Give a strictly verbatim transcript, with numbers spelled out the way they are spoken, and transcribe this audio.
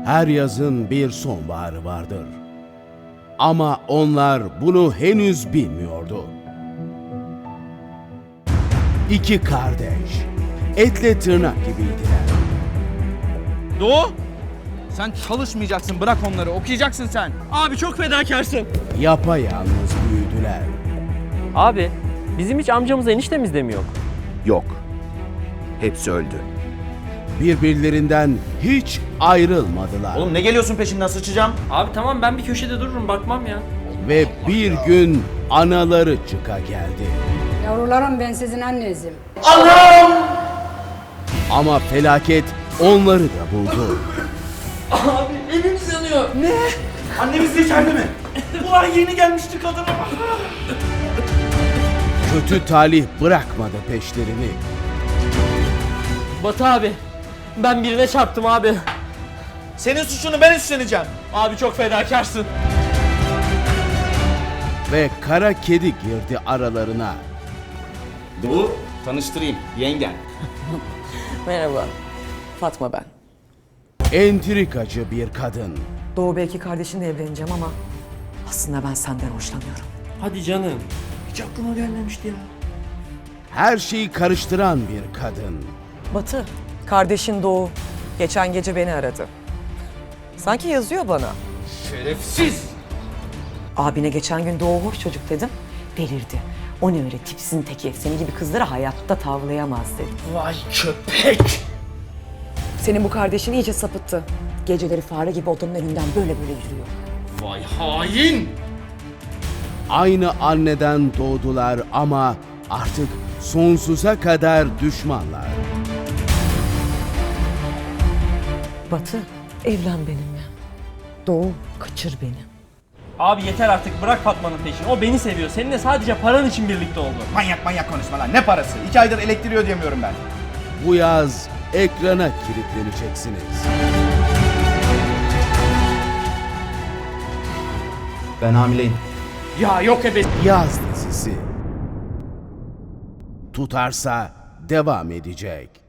Her yazın bir sonbaharı vardır. Ama onlar bunu henüz bilmiyordu. İki kardeş, etle tırnak gibiydiler. Doğu, sen çalışmayacaksın, bırak onları, okuyacaksın sen. Abi çok fedakarsın. Yapayalnız büyüdüler. Abi bizim hiç amcamız eniştemiz de mi yok? Yok. Hepsi öldü. Birbirlerinden hiç ayrılmadılar. Oğlum ne geliyorsun peşimden, sıçacağım. Abi tamam ben bir köşede dururum bakmam ya. Ve bir gün anaları çıka geldi. Yavrularım ben sizin annenizim. Ama felaket onları da buldu. Abi evimiz yanıyor. Ne? Annemiz de içeride mi? Ulan yeni gelmişti kadına. Kötü talih bırakmadı peşlerini. Batı abi ben birine çarptım abi. Senin suçunu ben üstleneceğim. Abi çok fedakarsın. Ve kara kedi girdi aralarına. Doğu, tanıştırayım. Yengen. Merhaba, Fatma ben. Entrikacı bir kadın. Doğu belki kardeşinle evleneceğim ama aslında ben senden hoşlanıyorum. Hadi canım. Hiç aklıma gelmemişti ya. Her şeyi karıştıran bir kadın. Batı, kardeşin Doğu geçen gece beni aradı. Sanki yazıyor bana. Şerefsiz! Abine geçen gün Doğu hoş çocuk dedim, delirdi. O ne öyle tipsizin teki, seni gibi kızları hayatta tavlayamaz dedi. Vay köpek! Senin bu kardeşin iyice sapıttı. Geceleri fare gibi odanın önünden böyle böyle yürüyor. Vay hain! Aynı anneden doğdular ama artık sonsuza kadar düşmanlar. Batı, evlen benimle. Doğu, kaçır beni. Abi yeter artık bırak Fatma'nın peşini. O beni seviyor. Seninle sadece paran için birlikte oldu. Manyak manyak konuşma lan. Ne parası? İki aydır elektriği ödeyemiyorum ben. Bu yaz ekrana kilitleneceksiniz. Ben hamileyim. Ya yok ebe... Yaz dizisi. Tutarsa devam edecek.